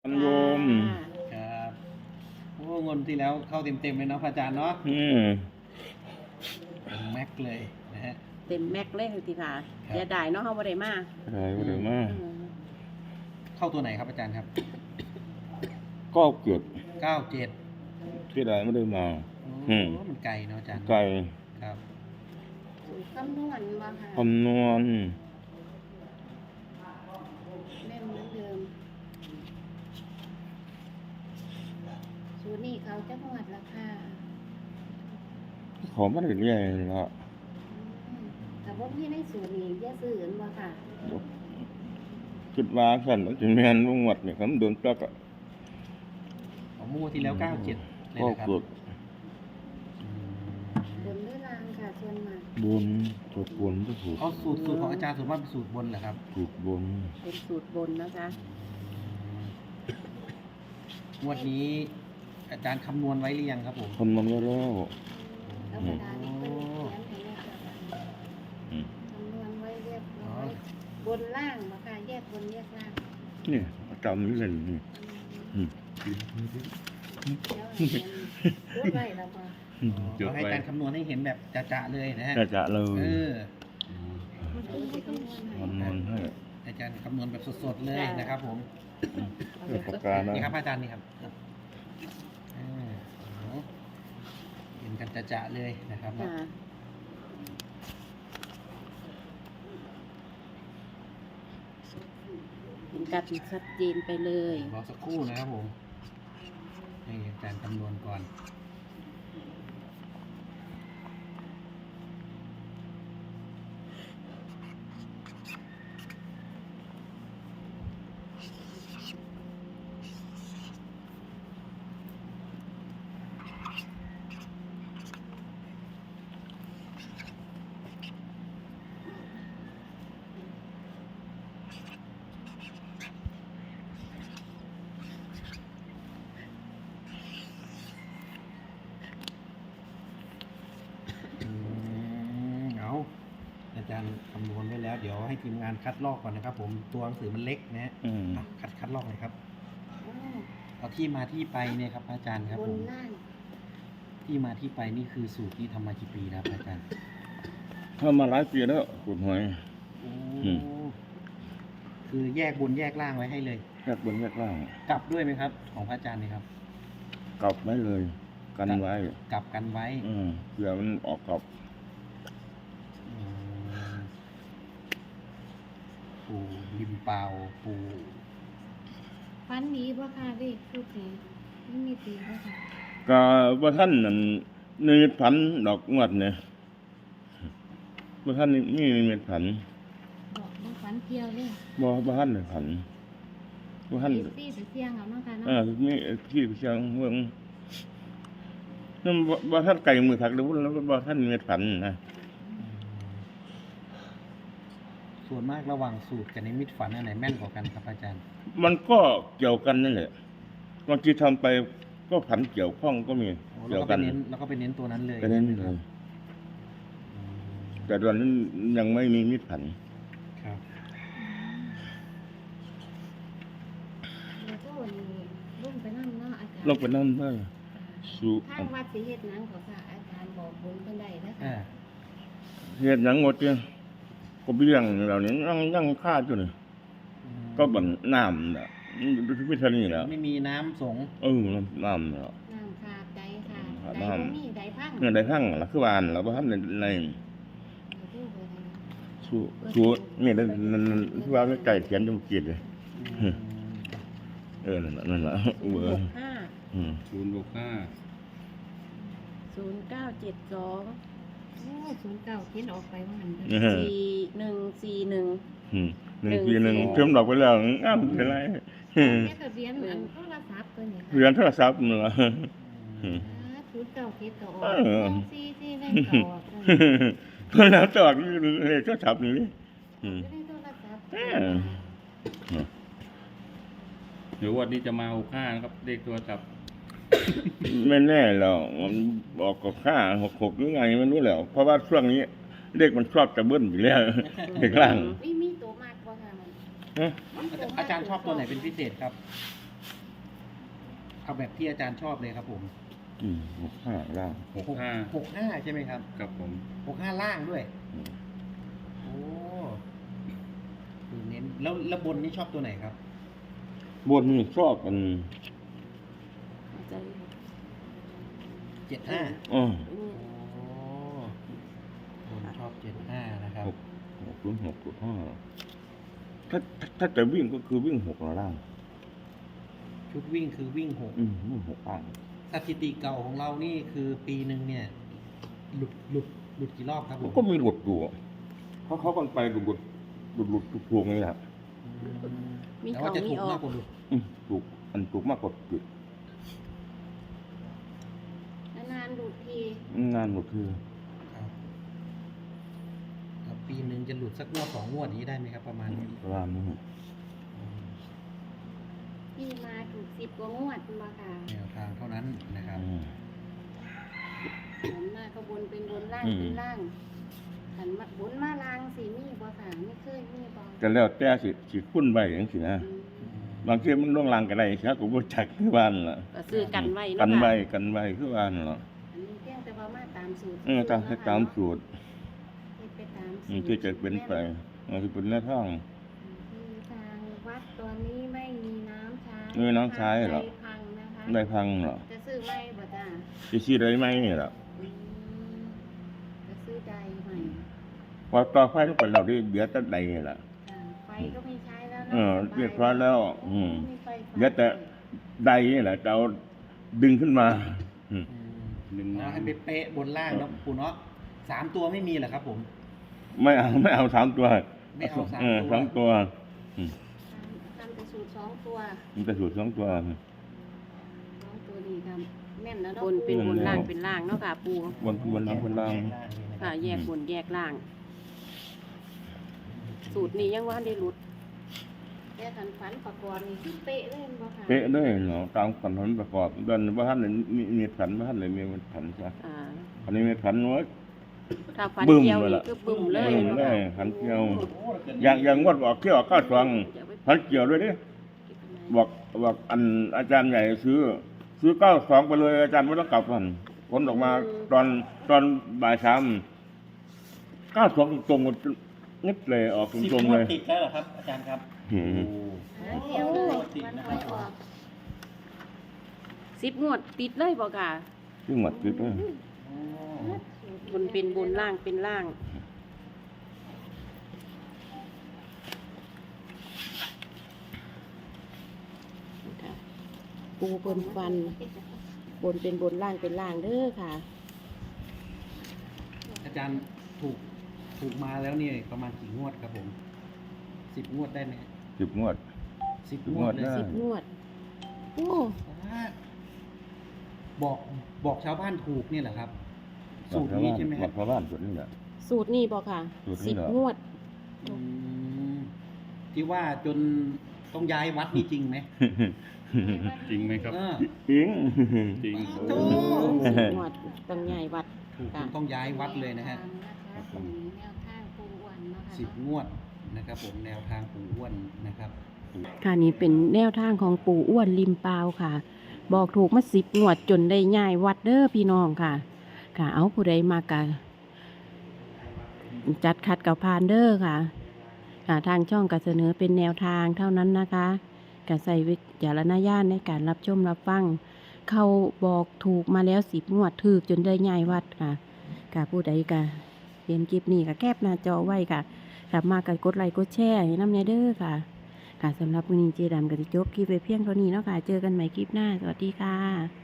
โยมครับโอ้เงินที่แล้วเข้าเต็มเลยเนาะพระอาจารย์เนาะเป็นแม็กเลยนะฮะเต็มแม็กเลยทีค่ะอย่าได้เนาะเฮาบ่ได้มาได้บ่ได้มาเข้าตัวไหนครับอาจารย์ครับก็เกิด 97 ที่ใดไม่ได้มาโอ้มันไกลเนาะอาจารย์ไกลครับคำนวณบ่ค่ะคำนวณแม่นเหมือนเดิมสูตรนี้เขาจังหวัดราคาขอมาได้เรื่อยละแต่ว่าพี่ในสูตรนี้อย่าซื้อกันบ่ค่ะคิดว่าสั่นมันสิแม่นบ่หมดนี่ครับโดนจักอ่ะของมู่ที่แล้ว97เลยนะครับก็เกิดบนด้วยรางค่ะส่วนมากบนตัวบนก็ถูกเอาสูตรของอาจารย์ส่วนมากเป็นสูตรบนเหรอครับถูกบนเป็นสูตรบนนะคะงวดนี้อาจารย์คำนวณไว้หรือยังครับผมคำนวณไว้แล้วธรรมดานี่เพิ่นเขียนให้แม่ค่ะคำนวณไว้เรียบร้อยบนล่างบ่ค่ะแยกบนแยกล่างนี่จำนี่เลยนี่จดไว้แล้วบ่ให้อาจารย์คำนวณให้เห็นแบบจะๆเลยนะฮะจะเลยคำนวณให้อาจารย์คำนวณแบบสดๆเลยนะครับผมปากกานี่ครับอาจารย์นี่ครับเห็นกันจะๆเลยนะครับเห็นกันชัดเจนไปเลยรอสักครู่นะครับผมให้อาจารย์คำนวณก่อนอาจารย์คำนวณไว้แล้วเดี๋ยวให้ทีมงานคัดลอกก่อนนะครับผมตัวหนังสือมันเล็กนะคัดลอกเลยครับเอาที่มาที่ไปเนี่ยครับอาจารย์ครับผมที่มาที่ไปนี่คือสูตรที่ทำมากี่ปีแล้วอาจารย์ทำมาหลายปีแล้วขุดหอยคือแยกบนแยกล่างไว้ให้เลยแยกบนแยกล่างกลับด้วยไหมครับของพระอาจารย์นี่ครับกลับไว้เลยกันไว้กลับกันไว้เผื่อมันออกกลับปูริมเปล่าปูฟันดีบ่ค่ะเด็กทุกทีไม่มีตีบ่ค่ะก็บ่ท่านนั่นนิมิตผันดอกงวดเนี่ยบ่ท่านนี่นิมิตผันดอกบ่ฟันเกี่ยวเลยบ่ท่านเลยผันบ่ท่านที่ไปเสี่ยงเอาเนาะค่ะเนาะมีที่ไปเสี่ยงเมืองนั่นบ่ท่านไก่มือถักแล้วบ่ท่านนิมิตผันนะส่วนมากระหว่างสูตรกับนิมิตฝันอันไหนแม่นกว่ากันครับอาจารย์มันก็เกี่ยวกันนั่นแหละบางทีทำไปก็ผันเกี่ยวข้องก็มีเกี่ยวกันแล้วก็ไปเน้นตัวนั้นเลยไปเน้นเลยแต่ตอนนั้นยังไม่มีมิตรผันครับแล้วก็วันนี้ลงไปนั่งเนาะอาจารย์ลงไปนั่งได้ทางวัดสิเฮ็ดหนังก็ค่ะอาจารย์บอกบุญเพิ่นได้นะคะเฮ็ดหนังหมดเนี่ยก็เบี้ยงเหล่านี้ยังค่าอยู่นี่ก็บันน้ำน่ะพิธีนี่แหละไม่มีน้ำสงน้ำเนาะน้ำขาดใจค่ะใดบ่มีใดพังเงินใดพังล่ะคือวานแล้วบ่ทันในสู้นี่นั่นคือว่าไก่เขียนจมจิตเลยนั่นล่ะเบอร์ 065 097209คิดออกไปว่าหัน 4141เพิ่มดอกไปแล้วอ้าวเป็นไรทะเบียนโทรศัพท์ตัวนี้ค่ะเรียนโทรศัพท์นั่นล่ะ 09คิดก็ออก44เลขก็ออกเพิ่นแล้วตอกเลขโทรศัพท์นี่ในโทรศัพท์เดี๋ยววันนี้จะมา65นะครับเลขโทรศัพท์ไม่แน่หรอกมันบอกกับค่า66หรือไงไม่รู้แล้วเพราะว่าช่วงนี้เลขมันชอบจะเบิ้ลอยู่แล้วเด็กล่างมีตัวมากกว่าค่ะอาจารย์ชอบตัวไหนเป็นพิเศษครับเอาแบบที่อาจารย์ชอบเลยครับผม 65ล่าง 65 65ใช่ไหมครับครับผม 65ล่างด้วยอืมโอ้คือเน้นแล้วบนนี่ชอบตัวไหนครับบนนี่ชอบมันใจ 75 อ๋อโอ้บนชอบ75นะครับ 6 ถ้าจะวิ่งก็คือวิ่ง6ล่างชุดวิ่งคือวิ่ง6 วิ่ง6ล่างสถิติเก่าของเรานี่คือปีหนึ่งเนี่ยหลุดกี่รอบครับผมก็มีหลุดอยู่เขากันไปหลุดถูกนี่แหละมีแต่เขาว่าจะมีถูกออมาก กกว่าหลุดถูกถูกมากกว่าผิดนานๆดูทีงานหมดคือครับครับปีหนึ่งจะหลุดสักงวด2 งวดนี้ได้ไหมครับ ประมาณนี้ประมาณนี้ที่มาถูก10 กว่างวดมาค่ะแนวทางเท่านั้นนะครับผลมาก็บนเป็นบนล่างเป็นล่างขันมาบนมาล่างสีมีบ่ค่ะไม่เคยมีบ่ก็แล้วแต่สิคุ้นใบอย่างสินะอืมบางทีมันล่วงลางกันได้ใช่ก็บ่จักคือบ้านล่ะก็ซื้อกันไว้กันเนาะใบค่ะกันใบคือบ้านล่ะอันนี้เพียงแต่ว่ามาตามสูตรตามสูตรเฮ็ดไปตามสูตรที่จะเป็นไปมันคือเป็นแนวทางคือทางวัดตอนนี้ไม่มีน้ำใช้ไม่มีน้ำใช้เหรอไฟพังนะคะได้พังเหรอจะซื้อไหมบ่จ้าสิซื้อได้ไหมนี่ล่ะอืมจะซื้อใดใหม่พอต่อไฟลงไปเราได้เหลือแต่ใดนี่ล่ะจ้ะไฟก็ไม่ใช้แล้วนะเรียบร้อยแล้วมีไฟฟ้าเหลือแต่ใดนี่แหละจะเอาดึงขึ้นมาหนึ่งเอาให้เป๊ะๆบนล่างแล้วปูเนาะ3 ตัวไม่มีเหรอครับผมไม่เอา3 ตัวไม่เอา3 ตัวสองตัวทำแต่สูตร2 ตัวมันจะสูตร2 ตัว 2 ตัวดีครับแม่นแล้วเนาะบนเป็นบนแม่นแล้วล่างเป็นล่างเนาะค่ะปูบนล่างบนล่างค่ะแยกบนแยกล่าง สูตรนี้ยังว่าได้รุดแต่ขันฝันประกอบนี่คือเป๊ะเลยบ่ค่ะเป๊ะเลยเนาะตามขันธ์ประกอบเดินว่าท่านมีขันว่าท่านเลยมีขันใช่อ่าอันนี้มีขันน้อยถ้าฟันบึ้มเกี่ยวเลยนี่ล่ะคือบึ้มเลยบึ้มเนาะเลยค่ะขันเกี่ยว อย่างงวดออกเที่ยวก้าสองขันเกี่ยวด้วยดิบอกอันอาจารย์ใหญ่ซื้อ92ไปเลยอาจารย์ไม่ต้องกลับกันผลออกมาตอนบ่าย3 92ตรงๆนิดเลยออกต 10 รงงๆวเลดยติดแล้วเหรอครับ อาจารย์ครับอืมเดียวเลยวันหวยออก 10 งวดติดเลยบ่ค่ะซึ่งหมดคือบนเป็นบนล่างเป็นล่าง ปูบนฟัน บนเป็นบนล่างเป็นล่างเด้อค่ะอาจารย์ถูกมาแล้วนี่ประมาณกี่งวดครับผม10 งวดได้ไหม 10 งวด 10 งวดเลยได้ 10 งวด โอ้บอกชาวบ้านถูกนี่แหละครับ สูตรนี้ใช่ไหมบคอรักบชาวบ้านสูตรนี้แหละสูตรนี้บ่ค่ะสูตรนี้เหรอ 10 งวดอืมที่ว่าจนต้องย้ายวัดนี่จริงไหมจริงไหมครับเออจริงจริงโอ้ 10 งวดต้องใหญ่วัดถูกจนต้องย้ายวัดเลยนะฮะตรงนี้แนวทางปูอ้วนนะคะ 10 งวดนะครับผมแนวทางปู่อ้วนนะครับค่ะนี่เป็นแนวทางของปู่อ้วนริมปาวค่ะ บอกถูกมา10 งวดจนได้ย้ายวัดเด้อพี่น้องค่ะ ค่ะเอาผู้ใดมากะจัดขัดกับพานเด้อค่ะค่ะทางช่องก็เสนอเป็นแนวทางเท่านั้นนะคะก็ใส่วิจารณญาณในการรับชมรับฟัง เขาบอกถูกมาแล้ว10 งวดถูกจนได้ย้ายวัดค่ะค่ะผู้ใดก็เห็นคลิปนี้ก็แคปหน้าจอไว้ค่ะกลับมาก็กดไลค์กดแชร์ให้น้ำเนเด้อค่ะ ค่ะสำหรับวันนี้เจดำกับจบคลิปไปเพียงเท่านี้เนาะค่ะ เจอกันใหม่คลิปหน้า สวัสดีค่ะ